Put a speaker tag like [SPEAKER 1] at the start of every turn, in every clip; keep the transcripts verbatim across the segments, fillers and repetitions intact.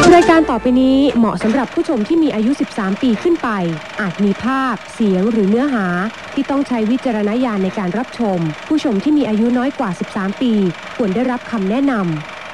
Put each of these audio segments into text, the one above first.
[SPEAKER 1] รายการต่อไปนี้เหมาะสำหรับผู้ชมที่มีอายุสิบสามปีขึ้นไปอาจมีภาพเสียงหรือเนื้อหาที่ต้องใช้วิจารณญาณในการรับชมผู้ชมที่มีอายุน้อยกว่าสิบสามปีควรได้รับคำแนะนำ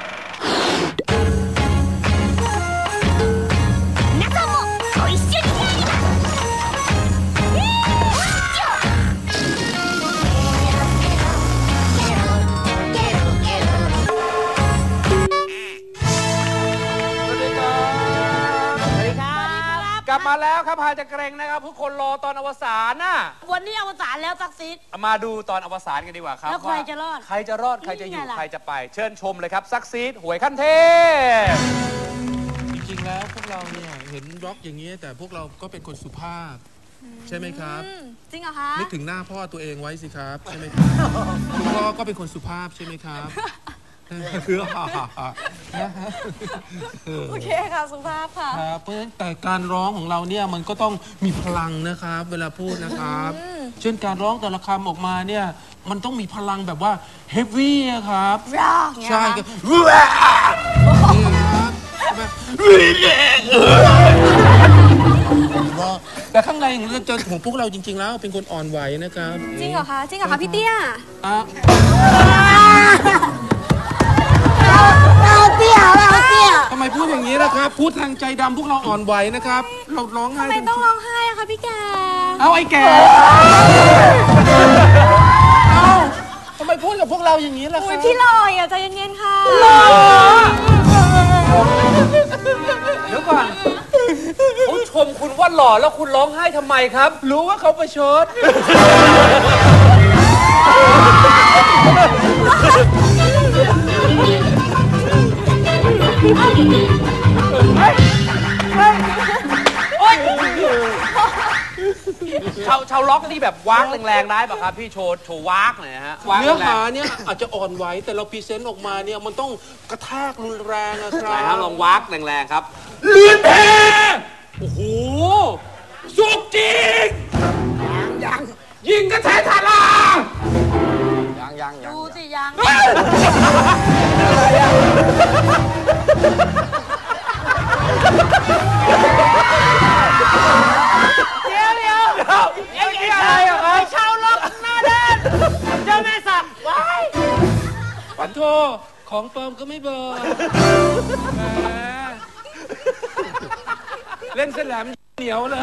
[SPEAKER 2] กลับมาแล้วครับพาจะเกรงนะครับทุกคนรอตอนอวสานน่ะ
[SPEAKER 3] วันนี้อวสานแล้วซักซีด
[SPEAKER 2] มาดูตอนอวสานกันดีกว่าครับ
[SPEAKER 3] แล้วใครจะรอด
[SPEAKER 2] ใครจะรอดใครจะอยู่ใครจะไปเชิญชมเลยครับซักซีดหวยขั้นเทพ
[SPEAKER 4] จริงๆแล้วพวกเราเนี่ยเห็นร็อกอย่างนี้แต่พวกเราก็เป็นคนสุภาพใช่ไหมครับ
[SPEAKER 3] จริงเหรอคะ
[SPEAKER 4] นึกถึงหน้าพ่อตัวเองไว้สิครับใช่ไหมครับคุณพ่อก็เป็นคนสุภาพใช่ไหมครับคือ
[SPEAKER 3] โอเคค่ะสุภาพค่ะ
[SPEAKER 4] ครับเพราะฉะนั้นแต่การร้องของเราเนี่ยมันก็ต้องมีพลังนะครับเวลาพูดนะครับเช่นการร้องแต่ละคำออกมาเนี่ยมันต้องมีพลังแบบว่าเฮฟวี่ครับใช่ครับแต่ข้างในของพวกเราจริงๆแล้วเป็นคนอ่อนไหวนะครับ
[SPEAKER 3] จริงเหรอคะจริงเหรอคะพี่เตี้ยเราเตี้ยเราเตี้ย
[SPEAKER 4] ทำไมพูดอย่างนี้ล่ะครับพูดทางใจดำพวกเราอ่อนไหวนะครับเราร้องไห้
[SPEAKER 3] ทำไมต้องร้องไห้อะคะพี่แก
[SPEAKER 4] เอาไอ้แกเอาทำไมพูดกับพวกเราอย่างนี้ล่ะครับ
[SPEAKER 3] พี่ลอยอ่ะใจเย็นๆค่ะ
[SPEAKER 2] เดี๋ยวก่อนเขาชมคุณว่าหล่อแล้วคุณร้องไห้ทำไมครับ
[SPEAKER 4] รู้ว่าเขาประชด
[SPEAKER 2] ชาวชาวล็อกนี่แบบวากแรงๆได้ป่ะครับพี่โชว์โชว์วากหน่อยฮะ
[SPEAKER 4] เนื้อหาเนี่ยอาจจะอ่อนไหวแต่เราพรีเซนต์ออกมาเนี่ยมันต้องกระแทกรุนแรงอะครับไหน
[SPEAKER 2] ฮะลองวากแรงๆครับ
[SPEAKER 4] เลือดแพ้โอ้โหสุกจริงยังยังยิงกระแทกทารา
[SPEAKER 2] ยังยังยัง
[SPEAKER 3] ดูสิยังเดี๋ยวเดี๋ยวไอ้ไอ้ชายเหรอครับชาวล็อกหน้าด้านเจ้าแม่สับว้าย
[SPEAKER 4] ปันโทของปลอมก็ไม่เบอร์เล่นเส้นแหลมเหนียวเลย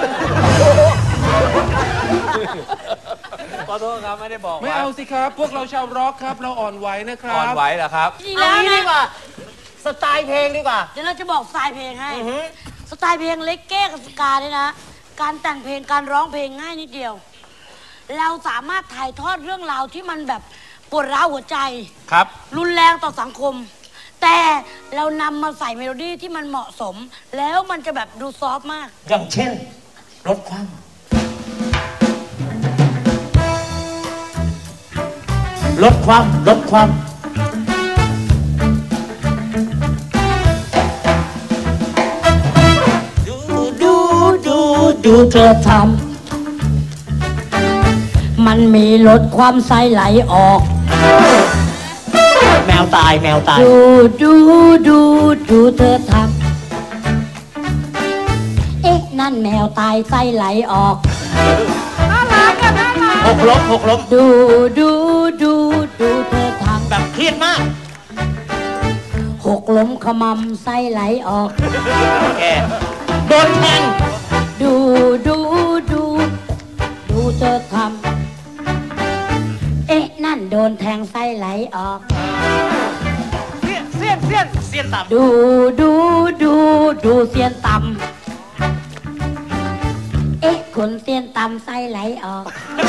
[SPEAKER 2] ขอโทษครับไม่ได้บอก
[SPEAKER 4] ไม่เอาสิครับพวกเราชาวร็อกครับเราอ่อนไหวนะครับ
[SPEAKER 2] อ่อนไหวเหรอครับ
[SPEAKER 3] เอางี้ดีกว่าสไตล์เพลงดีกว่าเดี๋ยวเราจะบอกสไตล์เพลงให้สไตล์เพลงเล็กเก้กับสกาเนี่ยนะการแต่งเพลงการร้องเพลงง่ายนิดเดียวเราสามารถถ่ายทอดเรื่องราวที่มันแบบปวดร้าวหัวใจ
[SPEAKER 2] ครับ
[SPEAKER 3] รุนแรงต่อสังคมแต่เรานำมาใส่เมโลดี้ที่มันเหมาะสมแล้วมันจะแบบดูซอฟต์มาก
[SPEAKER 5] อย่างเช่นลดความลดความลดความดูดูดูดูเธอทำมันมีลดความไส้ไหลออกแมวตายแมวตายดูดูดูดูเธอทำเอ๊ะนั่นแมวตายไส้ไหลออก
[SPEAKER 3] น่ารักอะน่ารัก
[SPEAKER 5] หกลบหกลบ
[SPEAKER 3] ดูดูดูดูเธอทำ
[SPEAKER 5] แบบเครียดมาก
[SPEAKER 3] หกล้มขมำไส้ไหลออก
[SPEAKER 5] แกโดนแทง
[SPEAKER 3] ดูดูดูดูเธอทำเอ๊ะนั่นโดนแทงไส้ไหลออก
[SPEAKER 5] เสี้ยนเสี้ยนเสี้ยนเสี้ยนต่ำ
[SPEAKER 3] ดูดูดูดูเสี้ยนต่ำเอ๊ะคนเสี้ยนต่ำไส้ไหลออก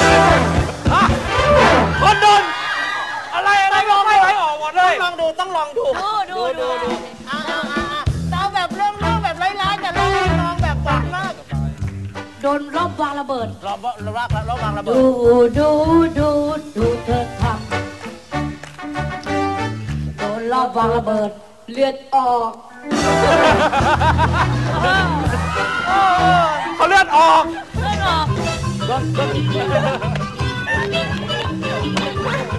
[SPEAKER 5] คนโดนอะไรอะไรลองไส้ไหลออกหมดเลยต้องลองดูต้องลองดู
[SPEAKER 3] ดูดูดูอ่าอ่าอ่าเอาแบบเรื่องเรื่องแบบร้ายๆแต่ลองลองแบบหวานมากโดนรอบวางระเบิด
[SPEAKER 5] รอบรอบรอบวางระเบิด
[SPEAKER 3] ดูดูดูดูเธอทำโดนรอบวางระเบิดเลือดออก
[SPEAKER 2] เขาเลือดออก
[SPEAKER 3] เลือดออก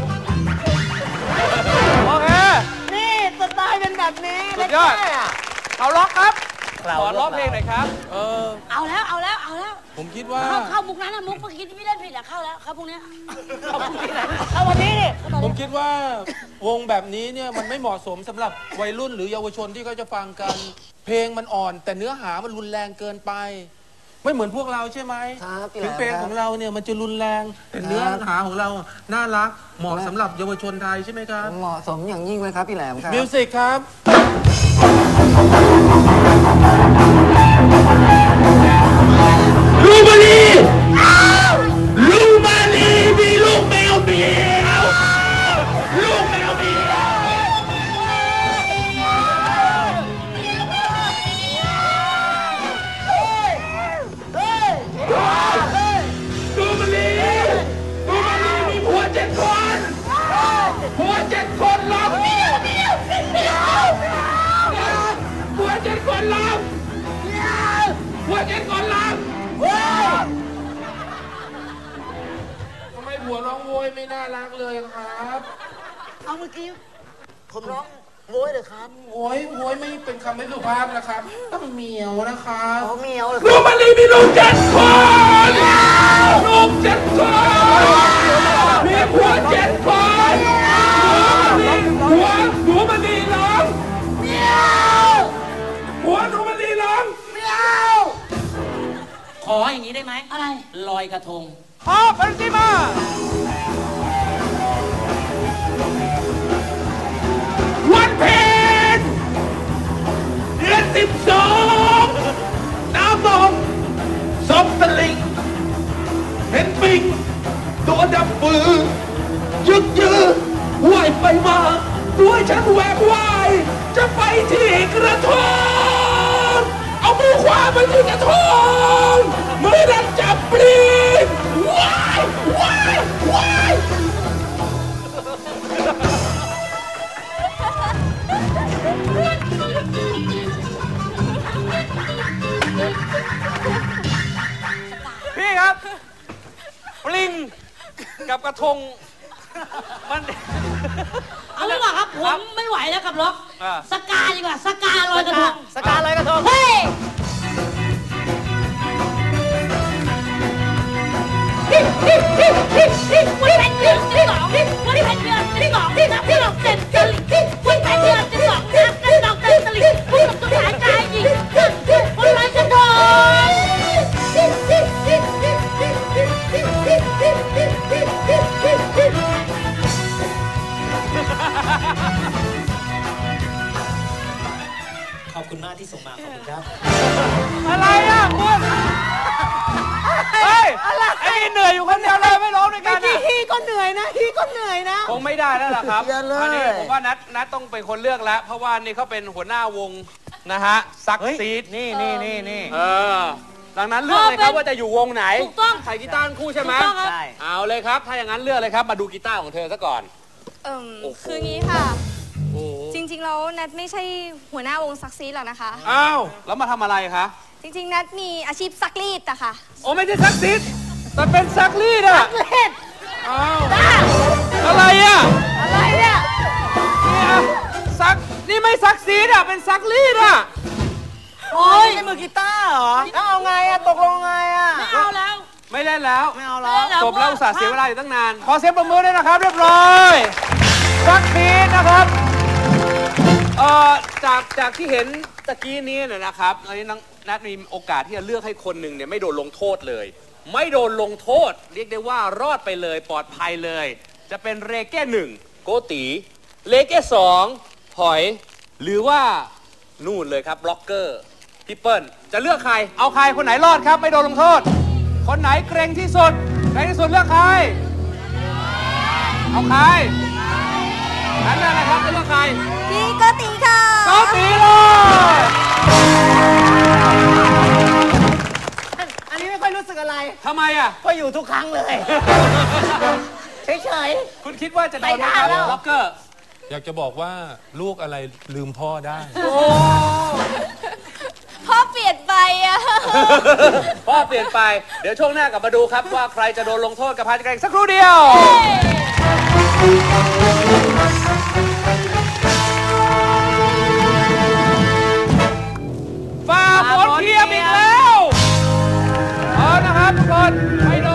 [SPEAKER 2] โอเค
[SPEAKER 3] นี่สไตล์เป็นแบบนี้
[SPEAKER 2] สุดยอดเขาล็อกครับขอร้องเพลงหน่อยครับ
[SPEAKER 4] เออ
[SPEAKER 3] เอาแล้วเอาแล้วเอาแล้ว
[SPEAKER 4] ผมคิดว่า
[SPEAKER 3] เข้าเข้ามุกนั้นนะมุกเมื่อกี้ที่พี่เล่นผิดอะเข้าแล้วเข้าพวกเนี้ยเข้าพวกนี้นะเข้าวันนี้ดิ
[SPEAKER 4] ผมคิดว่าวงแบบนี้เนี่ยมันไม่เหมาะสมสำหรับวัยรุ่นหรือเยาวชนที่เขาจะฟังกัน เพลงมันอ่อน แต่เนื้อหามันรุนแรงเกินไป ไม่เหมือนพวกเราใช่ไหม
[SPEAKER 5] ครับพี่แหล
[SPEAKER 4] ถึ
[SPEAKER 5] ม
[SPEAKER 4] งเพลง
[SPEAKER 5] ครับ
[SPEAKER 4] ของเราเนี่ยมันจะรุนแรงแต่เนื้อหาของเราน่ารักเหมาะสำหรับเยาวชนไทยใช่ไหมครับ
[SPEAKER 5] เหมาะสมอย่างยิ่งเลยครับพี่แหลมครับ
[SPEAKER 4] มิวสิกครับ
[SPEAKER 6] ลูมาลีลูมาลีมีลูกแมวเมียวลูกแมวเมียวลูมาลีลูมาลีมีผัวเจ็ดคนผัวเจ็ดคนร้องเมียวเมียวเมียวผัวเจ็ดคนร้องผัวเจ็ดคนร้อง
[SPEAKER 4] ทำไมผัวร้องโวยไม่น่ารักเลยครับ
[SPEAKER 3] เอาเมื่อกี้ผมร้องโว้ยเลยครับ
[SPEAKER 4] โวยโวยไม่เป็นคำไม่สุภาพนะครับ ต้องเหมียวนะครับ
[SPEAKER 3] เขาเมียวเลย
[SPEAKER 6] ลูกมันลีมีลูกเจ็ดคนลูกเจ็ดคนมีผัวเจ็ดคนผัวหนูมันลีร้องเมียวผัวหนูมันลีร้องเมียว
[SPEAKER 7] ขออย่างนี้ได้ไหม
[SPEAKER 3] อะไร
[SPEAKER 7] ลอยกระทง
[SPEAKER 2] พอเป็นที่มา
[SPEAKER 6] วันเพ็ญเดือนสิบสองน้ำนองซบตะลิงเห็นปิงตัวดำปือยึกยือว่ายไปมาด้วยฉันแหวกว่ายจะไปที่กระทงเอามือขวาไปที่กระทงมือนั้นจับปลีนว้ายว้ายว้าย
[SPEAKER 2] พี่ครับปลิงกับกระทงมัน
[SPEAKER 3] เอาดีกว่าครับผมไม่ไหวแล้วกับล็อก
[SPEAKER 2] อ่า
[SPEAKER 3] สกาดีกว่าสกาลอยกระทง
[SPEAKER 5] สกาลอยกระทง
[SPEAKER 3] เฮ้ย ที่ที่ที่ที่ที่วันนี้แผ่นเดือนที่สองวันนี้แผ่นเดือนที่สองที่นับที่เราเต็มตลิ่งที่วันแผ่นเดือนที่สองนับที่เราเต็มตลิ่งผู้หลงตัวหายใจยิงขึ้นขึ้นวันลอยกระทงที่ที่ที่ที่ที่ที่ที่ที่ที่ที่ที่ที่ที่
[SPEAKER 7] ขอบคุณมากที่ส่งมา ขอบคุณครับ
[SPEAKER 2] อะไรอ่ะคุณเฮ้ยไอ้นี่เหนื่อยอยู่คนเดียวเลยไม่ร้องด้วยกันอ่ะ
[SPEAKER 5] พี่ก็เหนื่อยนะพี่ก็เหนื่อยนะ
[SPEAKER 2] คงไม่ได้แล้วล่ะครับ
[SPEAKER 5] อย่าเลย
[SPEAKER 2] อันนี้ผมว่านัดนัดต้องเป็นคนเลือกแล้ว เพราะว่านี่เขาเป็นหัวหน้าวงนะฮะซักซีด
[SPEAKER 5] นี่นี่นี่นี่
[SPEAKER 2] เออดังนั้นเลือกเลยครับว่าจะอยู่วงไหน
[SPEAKER 3] ถูกต้อง
[SPEAKER 2] ใส่กีตาร์ทั้งคู่ใช่ไหม
[SPEAKER 3] ถูกต้องครับ
[SPEAKER 5] ใช่
[SPEAKER 2] เอาเลยครับ ถ้าอย่างนั้นเลือกเลยครับมาดูกีตาร์ของเธอซะก่อน
[SPEAKER 8] เอิ่ม
[SPEAKER 2] โอ้โห
[SPEAKER 8] คืองี้ค่ะ
[SPEAKER 2] โอ้
[SPEAKER 8] จริงๆแล้วนัทไม่ใช่หัวหน้าวงซักซีดหรอกนะคะ
[SPEAKER 2] อ้าวแล้วมาทำอะไรคะ
[SPEAKER 8] จริงๆนัทมีอาชีพซักรีดอะค่ะ
[SPEAKER 2] โอ้ไม่ใช่ซักซีดแต่เป็นซักรีดอะซักรีดอ้าวอะไรอะ
[SPEAKER 8] อะไรเนี่ย
[SPEAKER 2] นี่อะซักนี่ไม่ซักซีดอะเป็นซักรีดอะ
[SPEAKER 3] โอ้ย
[SPEAKER 5] ใช้มือกีตาร์เหรอแล้วเอาไงอะตกลงไงอะ
[SPEAKER 3] ไม่เอาแล้ว
[SPEAKER 2] ไม่เล่นแล้ว
[SPEAKER 5] ไม่เอาแล้ว
[SPEAKER 3] ไม่เอา
[SPEAKER 2] จบแล้วอุตส่าห์เสียเวลาอยู่ตั้งนาน ขอเสียงปรบมือด้วยนะครับ เรียบร้อย ซักซีดนะครับเอ่อจากจากที่เห็นตะกี้นี้เนี่ยนะครับตอนนี้น้องนัทมีโอกาสที่จะเลือกให้คนหนึ่งเนี่ยไม่โดนลงโทษเลย ไม่โดนลงโทษ เรียกได้ว่ารอดไปเลยปลอดภัยเลย จะเป็นเรเก้หนึ่งโกตีเรเก้สองหอย หรือว่านู่นเลยครับบล็อกเกอร์พี่เปิ้ลจะเลือกใคร เอาใครคนไหนรอดครับไม่โดนลงโทษ คนไหนเกรงที่สุดเกรงที่สุดเลือกใคร เอาใครนั่นแหละครับจะเลือกใคร
[SPEAKER 8] พี่โกติค่ะ
[SPEAKER 2] โกตีเลย
[SPEAKER 5] อันนี้ไม่ค่อยรู้สึกอะไร
[SPEAKER 2] ทำไมอ่ะ
[SPEAKER 5] เพราะอยู่ทุกครั้งเลย เฉย
[SPEAKER 2] คุณคิดว่าจะโดนไหมครับบล็อกเกอร์
[SPEAKER 4] อยากจะบอกว่าลูกอะไรลืมพ่อได้
[SPEAKER 8] พ่อเปลี่ยนไปอะ
[SPEAKER 2] พ่อเปลี่ยนไป เดี๋ยวช่วงหน้ากลับมาดูครับว่าใครจะโดนลงโทษกับพาร์ทแกรงสักครู่เดียว
[SPEAKER 6] ม
[SPEAKER 2] ครับทุกคนไป